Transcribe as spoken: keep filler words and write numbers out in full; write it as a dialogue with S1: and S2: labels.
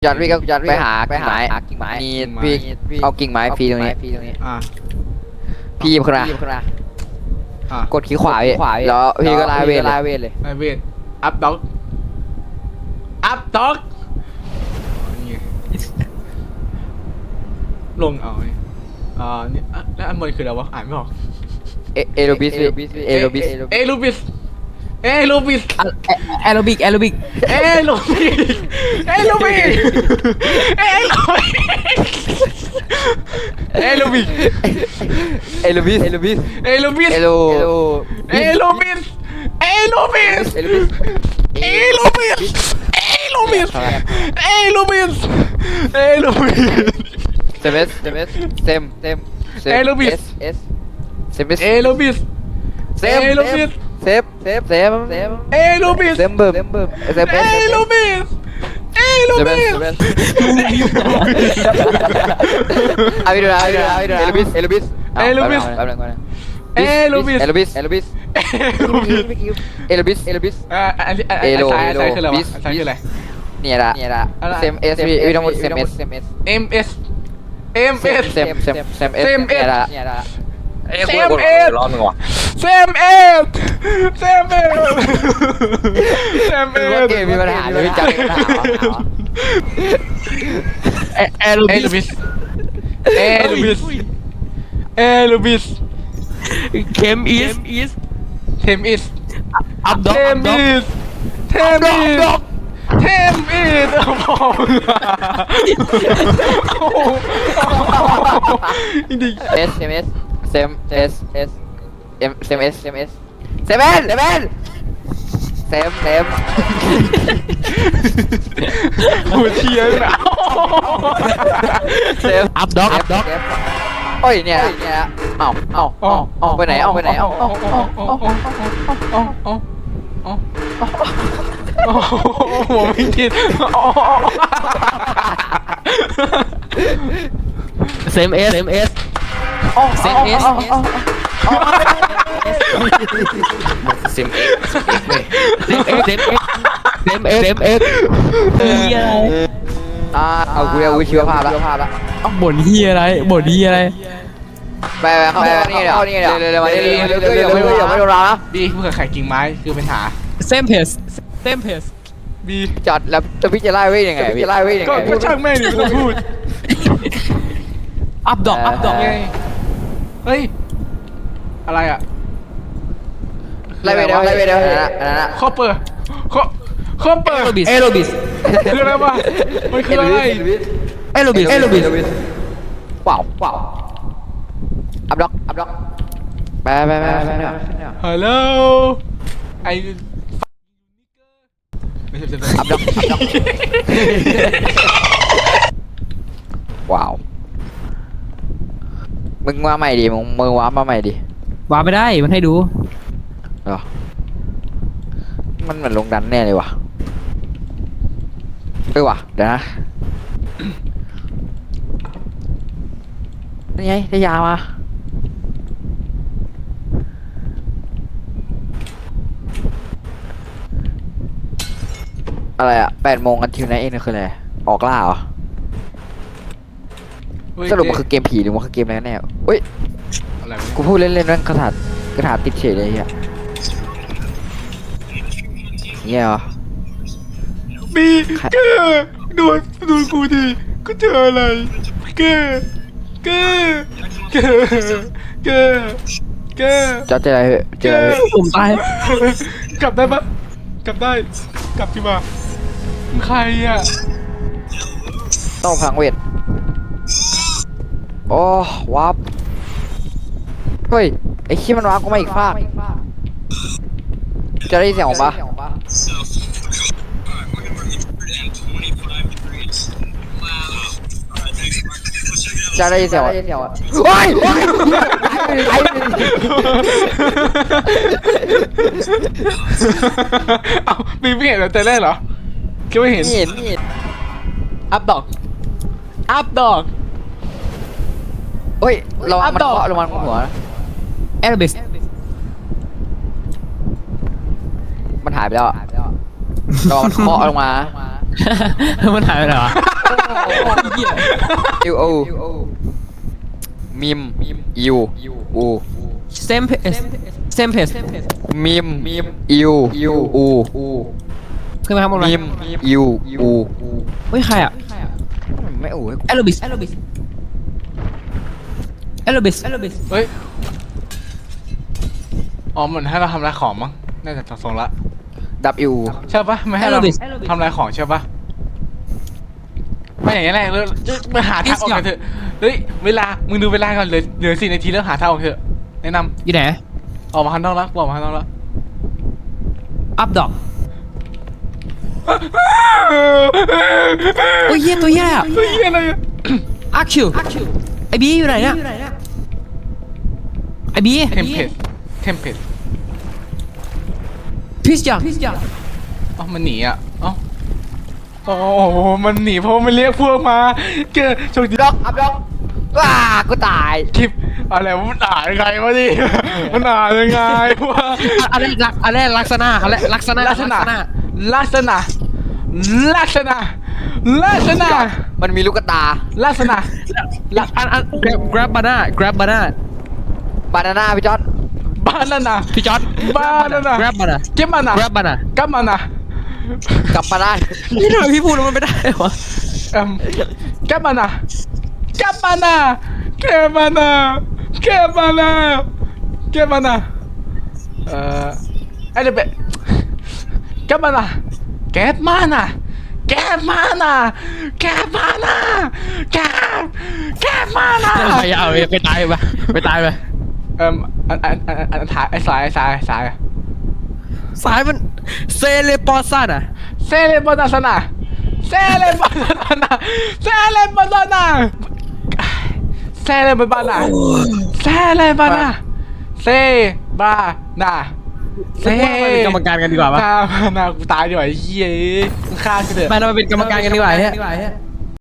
S1: จัดพี่ก็จัดไปหาไปหากิ่งไม้มีพี่เอากิ่งไม้ฟรีตรงนี้
S2: อ่า
S1: พี่พนะกดขี้ขวาพี่แล้วพี่ก็ลาเวทลาเวทเลย
S2: ลาเวทอัพด็อกอัพด็อกลงเอาอ่านี่แล้วอันบนคืออะไรวะอ่านไม่ออก
S1: เอเอโรบิสเอโรบิส
S2: เอโรบิสเอโรบิส
S3: แอโรบิกแอโรบิก
S2: เอโรบิสเอโรบิสเอโรบิสเอโรบิส
S1: เอโรบิสเอโรบิส
S2: เอโรบิส
S1: เอโร
S2: เอโรบิสเอโรบิสเอโรบิสเอโรบิสเอโรบิสเอโรบิส
S1: เซมเอสเซมเอสเซมเซม
S2: เอโรบิส
S1: เอสเซมเอส
S2: เอโรบิส
S1: เซมเอโรบิสเซฟเซฟเซฟเซฟ
S2: เอโรบิส
S1: เซมเบิร์มเซมเอ
S2: เอโรบิสเอโรบิส
S1: เอาไปดูนะเอาไปดูนะเอาไปดูนะเอโรบิสเอโรบิส
S2: เอโรบิส
S1: แป๊บนึงก่อน
S2: เอโรบิส
S1: เอโรบิสเอโรบิสเอโรบิสเอโรบิสเอโรบิส
S2: อ่าอันนี้อันนี้ซ้ายซ้ายคืออะไรวะซ้ายคืออะไร
S1: เนี่ยละเนี่ยละเซมเอสพี่พี่ต้องพูดเซมเอสเซมเอส
S2: เอ็มเอสเอ็มเอส
S1: เซมเซมเซมเอสเนี่ยละเนี่ยละ
S2: เซมเอส
S4: ร้อนมึงวะ
S2: เซมเอสเซมเอสเซมเอส
S1: เกมมีปัญหาเลยจังปัญหา
S2: เอโรบิสเอโรบิสเอโรบิส
S3: เคมอีสอีส
S2: เทมอิส
S3: อัพด็อก
S2: เทมอิสเทมอิสเทมอิสโอ้โหจริง
S1: เอสเอสเซมเอสเอสเอ็มเซมเอสเซมเอสเซมเอสเซมเอสเซมเซม
S2: หัวเชียร์นะ
S1: เซม
S3: อัพด็อกอัพด็อก
S1: โอ้ยเนี่ยเนี่ยเอ้าเอ้าเอ้าเอ้าไปไหนเอ้าไปไหนเอ้าเอ้าเอ้าเอ้าเอ้าเอ้าเอ้า
S2: โอ้โหไม่คิด
S3: เซมเอสเซมเอสเซมเอส
S4: เซมเอ็ก
S3: เซมเอสเซมเอสเซมเอสเฮียอะไร
S1: อ่าเอากูเอาวิชีวภาพละ
S3: ต้องบ่นเฮียอะไรบ่นเฮียอะไร
S1: ไปไปเข้านี่เดี๋ยวนี่เดี๋ยวเร็วเร็วเร็วเร็วเร็วเร็วเร็วอย่าไม่โดนเรานะ
S2: บีเพื่อไข่กิ่งไม้คือปัญหา
S3: เซมเพสเซมเพส
S2: บี
S1: จัดแล้วจะพี่จะไล่เว้ยยังไงพี่จะไล่เว้ยยังไง
S2: ก็ช่างแม่งดิพูด
S3: อัพดอกอัพดอก
S2: ไงเฮ้ยอะไรอะ
S1: ไล่เว้ยเดี๋ยวไล่เว้ยเดี๋ยวนั่นน่ะ
S2: คอปเปอร์คอคอปเปอร์
S3: เอโรบิส
S2: คืออะไรวะมันคืออะไร
S3: เอโรบิสเอโรบิส
S1: ว้าวว้าวอัพด็อกอัพด็อกไปไปไปไป
S2: ฮัลโหลไอไม่ใช่
S1: อัพด็อกอัพด็อกว้าวมึงว่าใหม่ดิมึงมึงว้ามาใหม่ดิ
S3: ว้าไม่ได้มันให้ดู
S1: เหรอมันเหมือนลงดันแน่เลยว่ะเออว่ะเดี๋ยวนะนี่ไงได้ยามาอะไรอะแปดโมงกันทิวไนท์เอ็นคืออะไรออกล่าเหรอสรุปมันคือเกมผีหรือมันคือเกมอะไรแน่เฮ้ยกูพูดเล่นๆนั่นกระถางกระถางติดเฉยเลยอ่ะเนี่ยเหรอ
S2: บีเกอร์ดูดูกูดิกูเจออะไรเกอร์เกอร์เกอร์เกอร์เกอร์
S1: จะเจออะไรเจอ
S3: ผมตาย
S2: กลับได้ปะกลับได้กลับที่มาใครอ่ะ
S1: ต้องพังเวทโอ้วับเฮ้ยไอ้ขี้มันวับก็มาอีกฟากจะได้เสียงออกปะจะได้เสียงโอ้ย
S2: เอาบีไม่เห็นแต่แรกเหรอคิดว่าเห็น
S1: เห็นเห็น
S2: อัพดอกอัพดอก
S1: เฮ้ยเรามันเคาะลงมาหัว
S3: เอโรบิส
S1: มันหายไปแล้วเรามันเคาะลงมา
S3: มันหายไปไหนวะ
S1: U O มิมยูอู
S3: same pace same pace
S1: มิมยูอูอู
S3: ขึ้นมาข้างบนไหม
S1: มิมยูอู
S3: เฮ้ยใครอ่ะ
S1: ไม่อูให้กู
S3: แอโรบิสแอโรบิสแอโรบิสแอโรบิส
S2: เฮ้ยอ๋อเหมือนให้เราทำลายของมั้งน่าจะทรงละ
S1: ดับยู
S2: ใช่ปะไม่ให้เราทำลายของใช่ปะไม่อย่างนี้แหละเรามาหาทางออกกันเถอะเฮ้ยเวลามึงดูเวลาก่อนเหลือเหลือสี่นาทีแล้วหาทางออกเถอะแนะน
S3: อยู่ไหน
S2: ำออกมาข้างนอกแล้วออกมาข้างนอกแล้ว
S3: อัพดอกโอ้ยเหี้ยตัวเหี้ยอ่ะ
S2: เฮ้ยอะไรอะ
S3: อาคิวไอบีอยู่ไหนเนี่ยไอบี
S2: เทมเพลตเทมเพลต
S3: พิสจัง
S2: อ๋อมันหนีอ่ะอ๋อโอ้โหมันหนีเพราะมันเรียกพวกมาเกิดโชคดี
S1: ด็อกอัพด็อกว้ากูตาย
S2: คลิปอะไรวะมันอ่านยังไงวะดิมันอ่านยังไงวะ
S3: อันแรกลักอันแรกลักษณะอันแรกลักษณะ
S2: ลักษณะลักษณะลักษณะลักษณะ
S1: มันมีลูกตา
S2: ลักษณะ
S3: อันอัน grab grab banana grab banana
S1: บานาน่าพี่จอร์ด
S2: บานาน่า
S3: พี่จอร์ด
S2: banana
S3: grab banana
S2: เก็บมานะ
S3: grab banana
S2: กับมานะ
S1: กลับมาได้
S3: นี่ทำไมพี่พูดแล้วมันไม่ได้วะ
S2: เอ็มกับมานะกับมานะเก็บมานะเก็บมานะเก็บมานะเอ่อไอ้เด็กเก็บมานะเก็บมานะเก็บมานะเก็บมานะเก็บเก็บมานะ
S3: ไปเอาไปตายไปไปตายไป
S2: เอ่มอันอันอันอันอันถ่ายไอ้สายไอ้สายไอ้สาย
S3: สายมันเซเลปอซันอ่ะ
S2: เซเลบอนาสนาเซเลบอนานาเซเลบอนานาเซเลบอนาเซเลบอนาเซบานาเซ
S3: เป็นกรรมการกันดีกว่าปะ
S2: บานากูตายดีกว่าไอ้เหี้ยมึงฆ่ากูเถอะ
S3: ไปเราไปเป็นกรรมการกันดีกว่าเนี่ย